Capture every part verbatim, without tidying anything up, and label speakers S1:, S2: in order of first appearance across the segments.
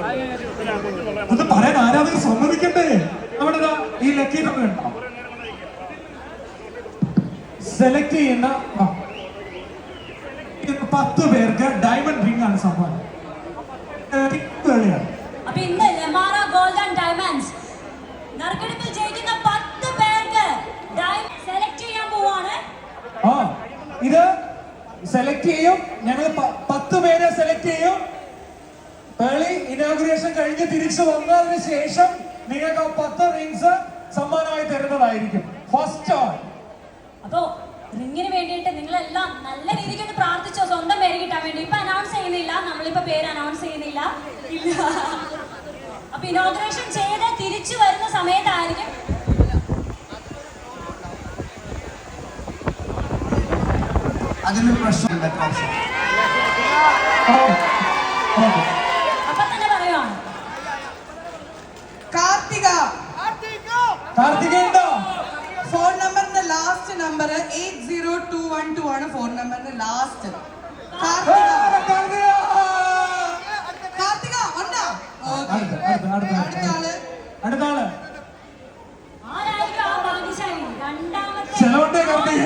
S1: അത് പറയാൻ ആരാധകർ സമ്മതിക്കണ്ടേ? അവിടെ ഈ ലക്കി നമ്പർ ഉണ്ടോ? സെലക്ട് ചെയ്യുന്ന പത്ത് പേർക്ക് ഡയമണ്ട് റിംഗ് ആണ് സമ്മാനം.
S2: അപ്പൊ ഇന്ന് ലെമാറ ഗോൾഡ് ആൻഡ് ഡയമണ്ട്സ് നറുക്കെടുപ്പിൽ ജയിക്കുന്ന പത്ത് പേർക്ക് സെലക്ട് ചെയ്യാൻ പോവാണ്.
S1: ആ ഇത് സെലക്ട് ചെയ്യും. ഞങ്ങൾ പത്ത് പേരെ സെലക്ട് ചെയ്യും. ഏർലി ഇനോഗ്രേഷൻ കഴിഞ്ഞ് തിരിച്ചു വന്നതിന് ശേഷം നിങ്ങൾക്ക് ആ പത്ത് റിംഗ്സ് സമ്മാനമായി തരുന്നതായിരിക്കും. First on.
S2: അപ്പോ റിംഗിന് വേണ്ടിയിട്ട് നിങ്ങളെല്ലാം നല്ല രീതിക്ക് ഒന്ന് പ്രാർത്ഥിച്ചോ, സ്വന്തം പേര് കിട്ടാൻ വേണ്ടി. ഇപ്പൊ അനൗൺസ് ചെയ്യുന്നില്ല, നമ്മളിപ്പോ പേര് അനൗൺസ് ചെയ്യുന്നില്ല. ഇല്ല. അപ്പൊ ഇനോഗ്രേഷൻ ചെയ്ത് തിരിച്ചു വരുന്ന സമയത്തായിരിക്കും
S1: അതിനൊരു പ്രശ്നമില്ല.
S2: അപ്പൊ തന്നെ പറയുവാണ്.
S3: കാർത്തിക
S1: കാർത്തിക ഉണ്ടോ?
S3: ഫോൺ നമ്പറിന്റെ last number eight zero two one two ആണ്. ഫോൺ നമ്പറിന്റെ ലാസ്റ്റ്. കാർത്തിക കാർത്തിക ഉണ്ടോ? അടുത്താള്
S1: അടുത്താള്
S2: ആരായിരിക്കും ആ ഭാഗ്യശാലി? രണ്ടാമത്തെ
S1: ചെലവുണ്ടേ Karthika.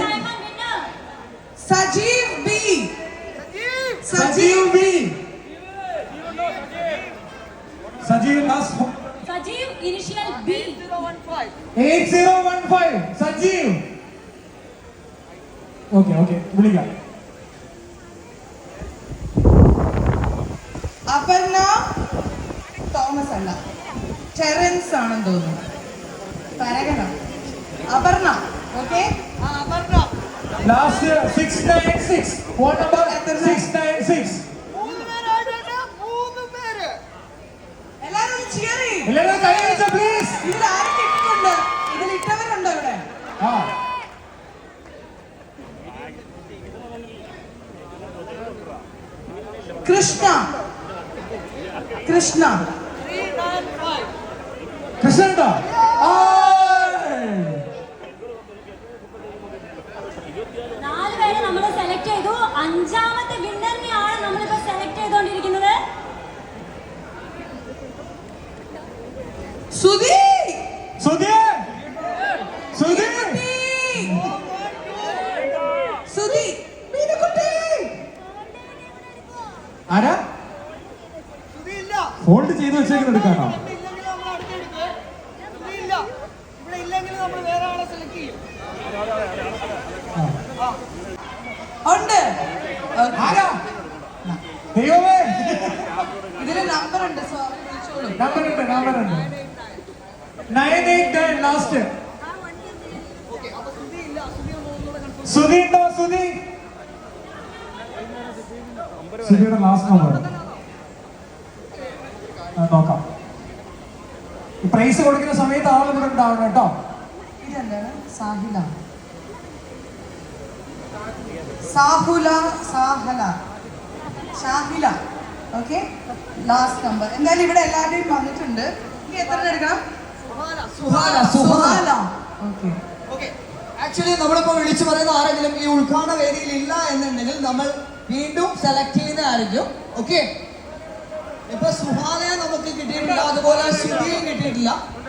S3: Sajeev B.
S1: Sajeev B. Sajeev last
S2: Sajeev initial B.
S1: Eight zero one five. Sajeev. Okay okay വിളിക്കാം.
S3: അപർണ തോമസ് അല്ല, ടെറൻസ് ആണെന്ന് തോന്നുന്നു. പരകന Aparna. Okay
S1: last six nine six. Phone number six nine six.
S3: എല്ലാരും ചിയർ ചെയ്യും.
S1: എല്ലാവരും കൈ അടിച്ചോ പ്ലീസ്.
S3: ഇതിൽ ആരൊക്കെ ഇട്ടിട്ടുണ്ട്? ഇതിൽ ഇട്ടവരുണ്ടോ ഇവിടെ?
S1: ആ
S3: കൃഷ്ണ കൃഷ്ണ
S1: കൃഷ്ണ ഉണ്ടോ?
S2: നാല് പേരെ നമ്മൾ സെലക്ട് ചെയ്തു. അഞ്ചാമത്തെ വിന്നറിനെയാണ് നമ്മളിപ്പോ സെലക്ട് ചെയ്തുകൊണ്ടിരിക്കുന്നത്.
S3: സുധി
S1: സുധി സുധി
S3: സുധി മീനുകുട്ടി.
S1: ആരാ ഫോൾഡ് ചെയ്ത് വെച്ചേക്കുന്നത് എടുക്കാനോ?
S3: ഉണ്ട്.
S1: ആരാ? ദൈവമേ.
S3: ഇതില് നമ്പർ ഉണ്ട്. സോ വിളിച്ചോളൂ.
S1: നമ്പർ ഉണ്ട് നമ്പർ ഉണ്ട്. Nine eight nine last. Sudhi ഉണ്ടോ? സുധി സുധിയുടെ ലാസ്റ്റ് നമ്പർ നോക്കാം. ഈ പ്രൈസ് കൊടുക്കുന്ന സമയത്ത് ആൾ ഇവിടെ ഉണ്ടാവണം കേട്ടോ.
S3: ഇതെന്താണ്? Sahila Sahula Sahala Shahila. Okay last number. എന്തായാലും ഇവിടെ എല്ലാവരുടെയും വന്നിട്ടുണ്ട്. ഇനി എത്ര എടുക്കണം?
S1: Suhala
S3: Suhala. Okay
S4: okay actually നമ്മളിപ്പോൾ വിളിച്ചു പറയുന്ന ആരെങ്കിലും ഈ ഉദ്ഘാടന വേദിയിൽ ഇല്ല എന്നുണ്ടെങ്കിൽ നമ്മൾ വീണ്ടും സെലക്ട് ചെയ്യുന്നതായിരിക്കും. ഓക്കെ ഇപ്പൊ സുഹാലയെ നമുക്ക് കിട്ടിയിട്ടില്ല, അതുപോലെ സുധിയും കിട്ടിയിട്ടില്ല.